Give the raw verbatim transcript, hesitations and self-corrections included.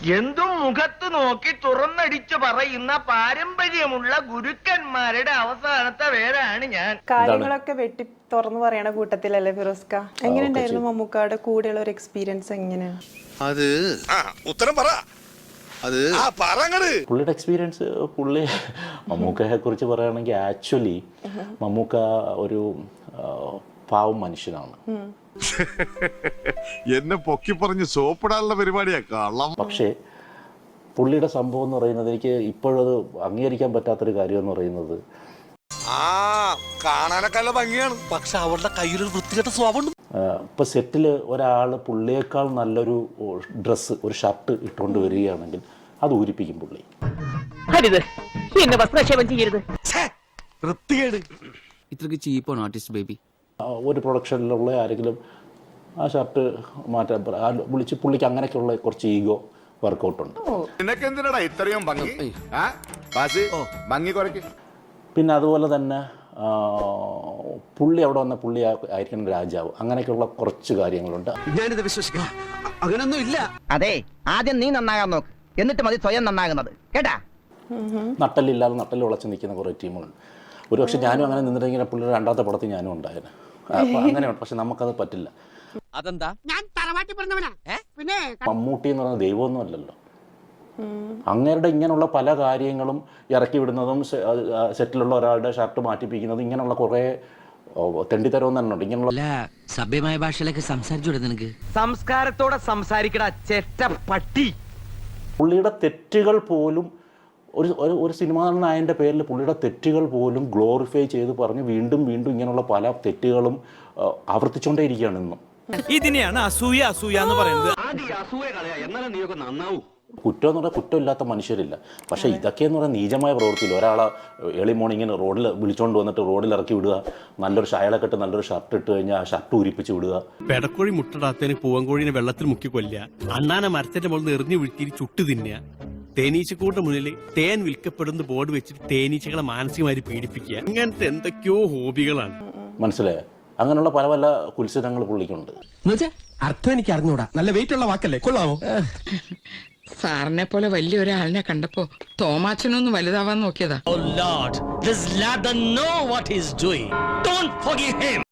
എന്തും മുഖത്ത് നോക്കി തുറന്നടിച്ചു പറയുന്ന പാരമ്പര്യമുള്ള ഗുരുക്കന്മാരുടെ അവസാനത്തെ പേരാണ് ഞാൻ. കാര്യങ്ങളൊക്കെ വെട്ടി തുറന്നു പറയണ കൂട്ടത്തിലല്ലേ ഫിറോസ്ക? എങ്ങനെയുണ്ടായിരുന്നു മമ്മൂക്കായുടെ കൂടെയുള്ള ഒരു എക്സ്പീരിയൻസ് എങ്ങനെയാണ്? അത് ഉത്തരം പറ. അത് പുള്ളിയുടെ എക്സ്പീരിയൻസ്, പുള്ളി മമ്മൂക്കയെ കുറിച്ച് പറയുകയാണെങ്കിൽ ആക്ച്വലി മമ്മൂക്ക ഒരു പാവം മനുഷ്യനാണ്. എന്നെ പൊക്കി പറഞ്ഞ് സോപ്പിടാനുള്ള പരിപാടിയാ കള്ളം. പക്ഷേ പുള്ളിയുടെ സംഭവം എന്ന് പറയുന്നത് എനിക്ക് ഇപ്പോഴത് അംഗീകരിക്കാൻ പറ്റാത്തൊരു കാര്യം എന്ന് പറയുന്നത്, ആ കാണാനൊക്കെ നല്ല ഭംഗിയാണ്, പക്ഷെ അവളുടെ കയ്യിലൊരു വൃത്തികെട്ട സ്വഭാവം. ഇപ്പം സെറ്റിൽ ഒരാൾ പുള്ളിയേക്കാൾ നല്ലൊരു ഡ്രസ്സ്, ഒരു ഷർട്ട് ഇട്ടുകൊണ്ട് വരികയാണെങ്കിൽ അത് ഊരിപ്പിക്കും പുള്ളി. ഇത്രക്ക് ചീപ്പാണ് ആർട്ടിസ്റ്റ് ബേബി. ഒരു പ്രൊഡക്ഷനിലുള്ള ആരെങ്കിലും ആ ഷർട്ട് മാറ്റാൻ വിളിച്ച് പുള്ളിക്ക് അങ്ങനെയൊക്കെയുള്ള കുറച്ച് ഈഗോ വർക്കൗട്ടുണ്ട്. ഇത്രയും ഭംഗി. പിന്നെ അതുപോലെ തന്നെ പുള്ളി അവിടെ വന്ന പുള്ളി ആയിരിക്കണം രാജാവ്, അങ്ങനെയൊക്കെയുള്ള കുറച്ച് കാര്യങ്ങളുണ്ട്. ഞാനിത് വിശ്വസിക്കാം, അങ്ങനൊന്നും ഇല്ല. അതെ, ആദ്യം നീ നന്നാകാൻ നോക്ക്, എന്നിട്ട് മതി സ്വയം നന്നാകുന്നത്, കേട്ടാ. നട്ടലില്ലാതെ നട്ടൽ ഉളച്ച് നിൽക്കുന്ന കുറേ ടീമുകളുണ്ട്. ഒരു പക്ഷെ ഞാനും അങ്ങനെ നിന്നിട്ടെങ്കിൽ പുള്ളിയുടെ രണ്ടാമത്തെ പടത്തിൽ ഞാനും ഉണ്ടായിരുന്നു. അപ്പൊ അങ്ങനെയുണ്ട്. പക്ഷെ നമുക്കത് പറ്റില്ല. അതെന്താ? ഞാൻ തറവാട്ടി പറഞ്ഞവനാ. പിന്നെ മമ്മൂട്ടി എന്ന് പറയുന്നത് ദൈവമൊന്നും അല്ലല്ലോ. അങ്ങേരുടെ ഇങ്ങനെയുള്ള പല കാര്യങ്ങളും ഇറക്കി വിടുന്നതും സെറ്റിലുള്ള ഒരാളുടെ ഷർട്ട് മാറ്റിപ്പിക്കുന്നതും ഇങ്ങനെയുള്ള കുറെ തെണ്ടിത്തരവും തന്നെ ഉണ്ട്. ഇങ്ങനെയുള്ള സഭ്യമായ ഭാഷയിലൊക്കെ സംസാരിച്ചു നിനക്ക് സംസ്കാരത്തോടെ സംസാരിക്കടാ ചെറ്റ പട്ടി. പുള്ളിയുടെ തെറ്റുകൾ പോലും ഒരു ഒരു സിനിമാ നായകൻ്റെ പേരിൽ പുള്ളിയുടെ തെറ്റുകൾ പോലും ഗ്ലോറിഫൈ ചെയ്ത് പറഞ്ഞ് വീണ്ടും വീണ്ടും ഇങ്ങനെയുള്ള പല തെറ്റുകളും ആവർത്തിച്ചുകൊണ്ടേ ഇരിക്കുകയാണ് ഇന്നും. ഇതിനെയാണ് അസൂയ അസൂയ എന്ന് പറയുന്നത്. കുറ്റം എന്ന് പറഞ്ഞാൽ കുറ്റമില്ലാത്ത മനുഷ്യരില്ല. പക്ഷേ ഇതൊക്കെ എന്ന് പറഞ്ഞാൽ നീചമായ പ്രവൃത്തിയില്ല. ഒരാളെ ഏർലി മോർണിംഗിന് റോഡിൽ വിളിച്ചുകൊണ്ട് വന്നിട്ട് റോഡിൽ ഇറക്കി വിടുക, നല്ലൊരു ഷായലൊക്കെ ഇട്ട് നല്ലൊരു ഷർട്ട് ഇട്ട് കഴിഞ്ഞാൽ ആ ഷർട്ട് ഉരിപ്പിച്ച് വിടുക. പെടക്കോഴി മുട്ടടാത്തതിന് പൂവൻകോഴിനെ വെള്ളത്തിൽ മുക്കി കൊല്ലുക, അണ്ണാനെ മരത്തിന്റെ മുകളിൽ എറിഞ്ഞു വീഴ്ത്തി ചുട്ടു തിന്നുക, തേനീച്ചക്കൂട്ട് മുന്നിൽ തേൻ വിൽക്കപ്പെടുന്ന ബോർഡ് വെച്ചിട്ട് തേനീച്ചകളെ മാനസികമായി പീഡിപ്പിക്കുക, അങ്ങനത്തെ എന്തൊക്കെയോ ഹോബികളാണ്. മനസ്സിലായോ? അങ്ങനെയുള്ള പല പല കുത്സിതങ്ങൾ പുള്ളിക്കുണ്ട്. അർത്ഥം എനിക്ക് അറിഞ്ഞൂടാ. നല്ല വെയിറ്റ് ഉള്ള വാക്കല്ലേ, കൊള്ളാമോ? സാറിനെ പോലെ വലിയ ഒരാളിനെ കണ്ടപ്പോ തോമാച്ചനൊന്ന് വലുതാവാൻ നോക്കിയതാ.